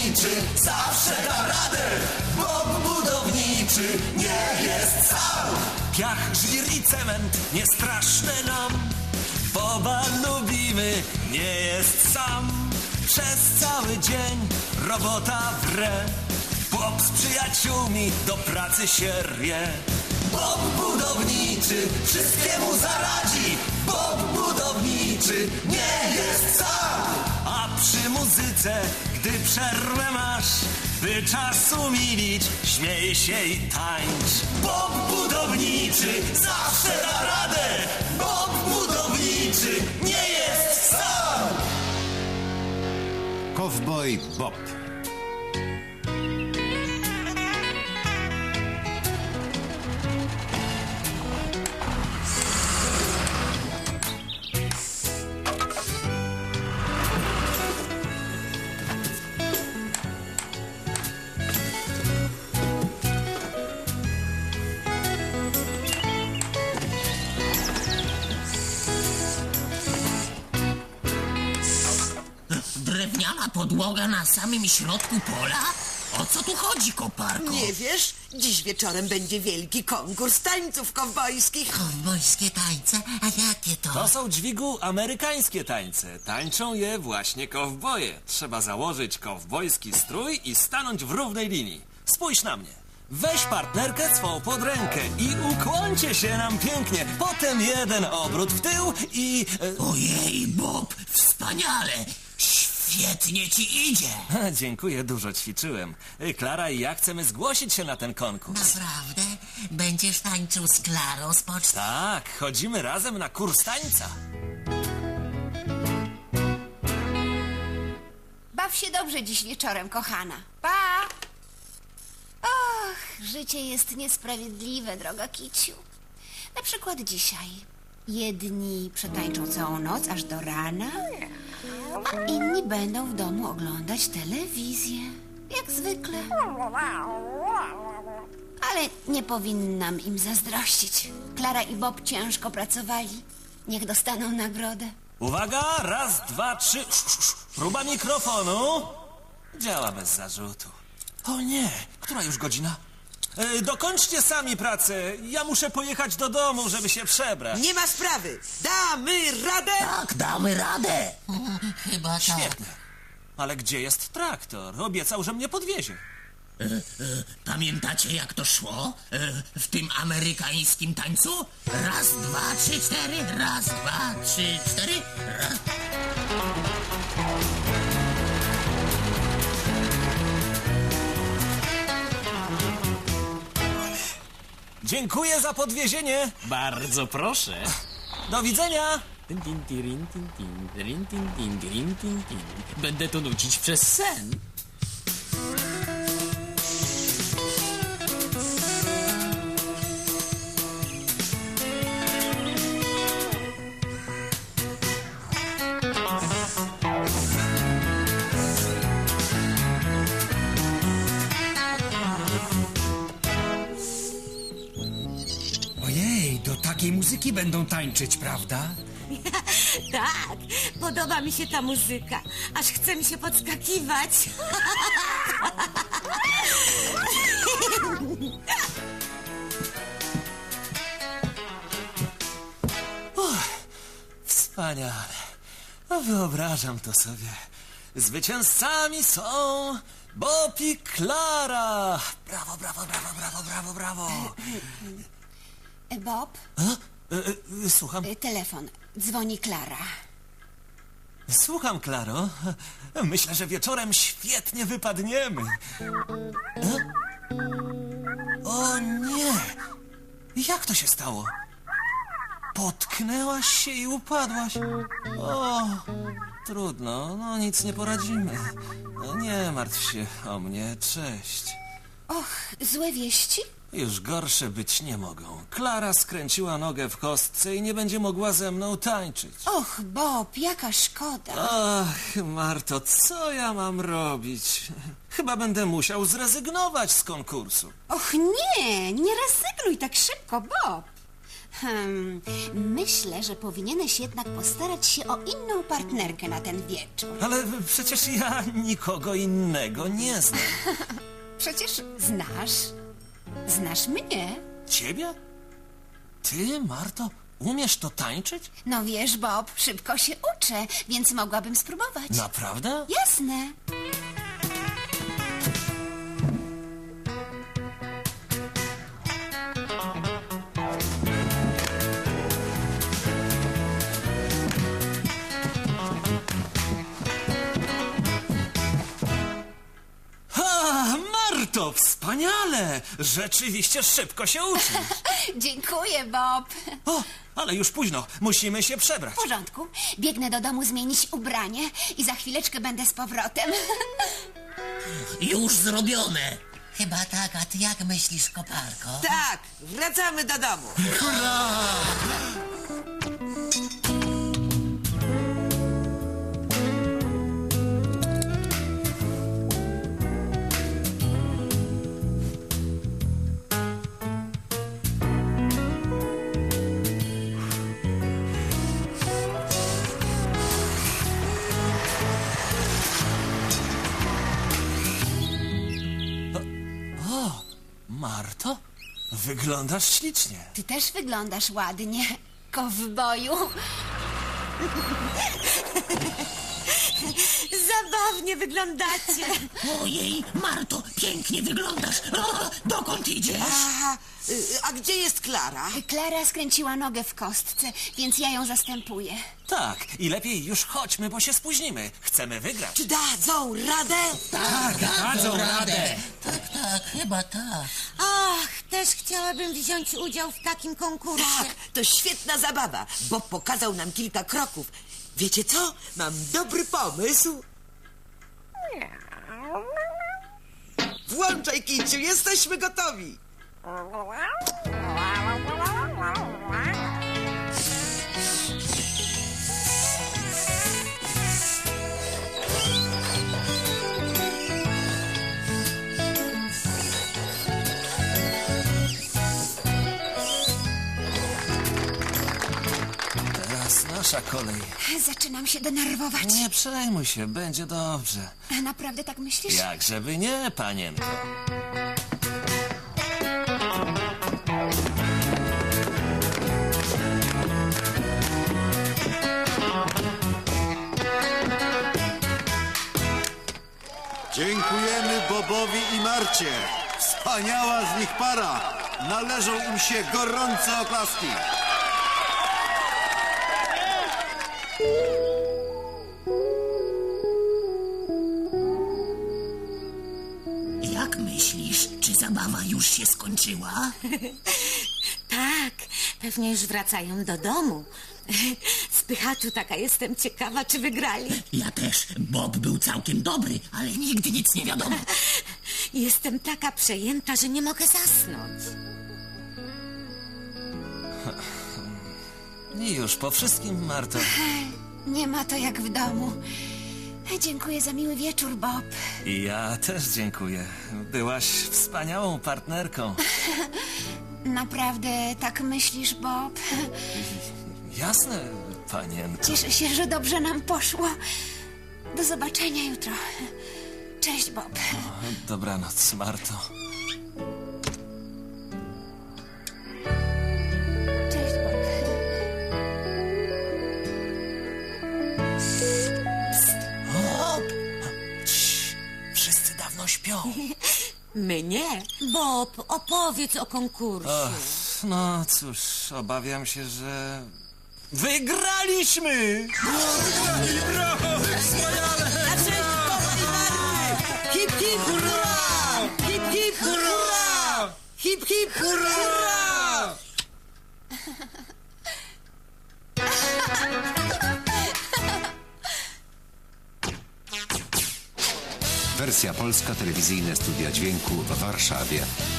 budowniczy zawsze da radę. Bob budowniczy nie jest sam. Piach, żwir i cement nie straszne nam. Boba lubimy, nie jest sam. Przez cały dzień robota wre. Bob z przyjaciółmi do pracy się rwie. Bob budowniczy wszystkiemu zaradzi. Bob budowniczy nie jest sam. A przy muzyce, gdy przerwę masz, by czas umilić, śmiej się i tańcz. Bob budowniczy zawsze da radę. Bob budowniczy nie jest sam. Kowboj Bob. Drewniana podłoga na samym środku pola? O co tu chodzi, koparko? Nie wiesz? Dziś wieczorem będzie wielki konkurs tańców kowbojskich. Kowbojskie tańce? A jakie to? To są dźwigu amerykańskie tańce. Tańczą je właśnie kowboje. Trzeba założyć kowbojski strój i stanąć w równej linii. Spójrz na mnie. Weź partnerkę swą pod rękę i ukłońcie się nam pięknie. Potem jeden obrót w tył i... Ojej, Bob, wspaniale! Świetnie ci idzie! Dziękuję, dużo ćwiczyłem. Klara i ja chcemy zgłosić się na ten konkurs. Naprawdę? Będziesz tańczył z Klarą z poczty? Tak, chodzimy razem na kurs tańca. Baw się dobrze dziś wieczorem, kochana. Pa! Och, życie jest niesprawiedliwe, droga Kiciu. Na przykład dzisiaj. Jedni przetańczą całą noc aż do rana, a inni będą w domu oglądać telewizję. Jak zwykle. Ale nie powinnam im zazdrościć. Klara i Bob ciężko pracowali. Niech dostaną nagrodę. Uwaga, raz, dwa, trzy. Próba mikrofonu. Działa bez zarzutu. O nie, która już godzina? Dokończcie sami pracę. Ja muszę pojechać do domu, żeby się przebrać. Nie ma sprawy. Damy radę. Tak, damy radę. Chyba tak. Świetnie. Ale gdzie jest traktor? Obiecał, że mnie podwiezie. Pamiętacie, jak to szło? W tym amerykańskim tańcu? Raz, dwa, trzy, cztery. Raz, dwa, trzy, cztery. Raz. Dziękuję za podwiezienie. Bardzo proszę. Do widzenia. Będę to nucić przez sen. Ojej, do takiej muzyki będą tańczyć, prawda? Tak, podoba mi się ta muzyka. Aż chce mi się podskakiwać. Wspaniale. No, wyobrażam to sobie. Zwycięzcami są Bob i Klara. Brawo, brawo, brawo, brawo, brawo, brawo. Bob, Słucham. telefon. Dzwoni Klara. Słucham, Klaro. Myślę, że wieczorem świetnie wypadniemy. O nie! Jak to się stało? Potknęłaś się i upadłaś. O, trudno, no nic nie poradzimy. No, nie martw się o mnie, cześć. Och, złe wieści? Już gorsze być nie mogą. Klara skręciła nogę w kostce i nie będzie mogła ze mną tańczyć. Och, Bob, jaka szkoda. Ach, Marto, co ja mam robić? Chyba będę musiał zrezygnować z konkursu. Och nie, nie rezygnuj tak szybko, Bob. Myślę, że powinieneś jednak postarać się o inną partnerkę na ten wieczór. Ale przecież ja nikogo innego nie znam. Przecież znasz mnie. Ciebie? Ty, Marto, umiesz to tańczyć? No wiesz, Bob, szybko się uczę, więc mogłabym spróbować. Naprawdę? Jasne. Ha, Marto, wspaniale! Rzeczywiście szybko się uczysz. Dziękuję, Bob. O, ale już późno, musimy się przebrać. W porządku. Biegnę do domu zmienić ubranie i za chwileczkę będę z powrotem. Już zrobione. Chyba tak, a ty jak myślisz, koparko? Tak, wracamy do domu. Marto, wyglądasz ślicznie. Ty też wyglądasz ładnie, kowboju. Zabawnie wyglądacie. Ojej, Marto, pięknie wyglądasz. O, dokąd idziesz? A gdzie jest Klara? Klara skręciła nogę w kostce, więc ja ją zastępuję. Tak, i lepiej już chodźmy, bo się spóźnimy. Chcemy wygrać. Czy dadzą radę? Tak, dadzą radę. Tak, chyba tak. Ach, też chciałabym wziąć udział w takim konkursie. Tak, to świetna zabawa. Bob pokazał nam kilka kroków. Wiecie co? Mam dobry pomysł. Włączaj, Kiciu, jesteśmy gotowi. Teraz nasza kolej. Zaczynam się denerwować. Nie przejmuj się, będzie dobrze. Naprawdę tak myślisz? Jak żeby nie, panienko. Dziękujemy Bobowi i Marcie. Wspaniała z nich para. Należą im się gorące oklaski. Jak myślisz, czy zabawa już się skończyła? Tak, pewnie już wracają do domu. Spychaczu, taka jestem ciekawa, czy wygrali. Ja też. Bob był całkiem dobry, ale nigdy nic nie wiadomo. Jestem taka przejęta, że nie mogę zasnąć. I już po wszystkim, Marto. Nie ma to jak w domu. Dziękuję za miły wieczór, Bob. I ja też dziękuję. Byłaś wspaniałą partnerką. Naprawdę tak myślisz, Bob? Jasne, panienko. Cieszę się, że dobrze nam poszło. Do zobaczenia jutro. Cześć, Bob. Dobranoc, Marto. Cześć, Bob. Cii, wszyscy dawno śpią. Mnie? Bob, opowiedz o konkursie. No cóż, obawiam się, że... Wygraliśmy! Na cześć Boba i Marty! Hip, hip, hurra! Hip, hip, hurra! Hip, hip, hurra! Wersja polska, telewizyjne studia dźwięku w Warszawie.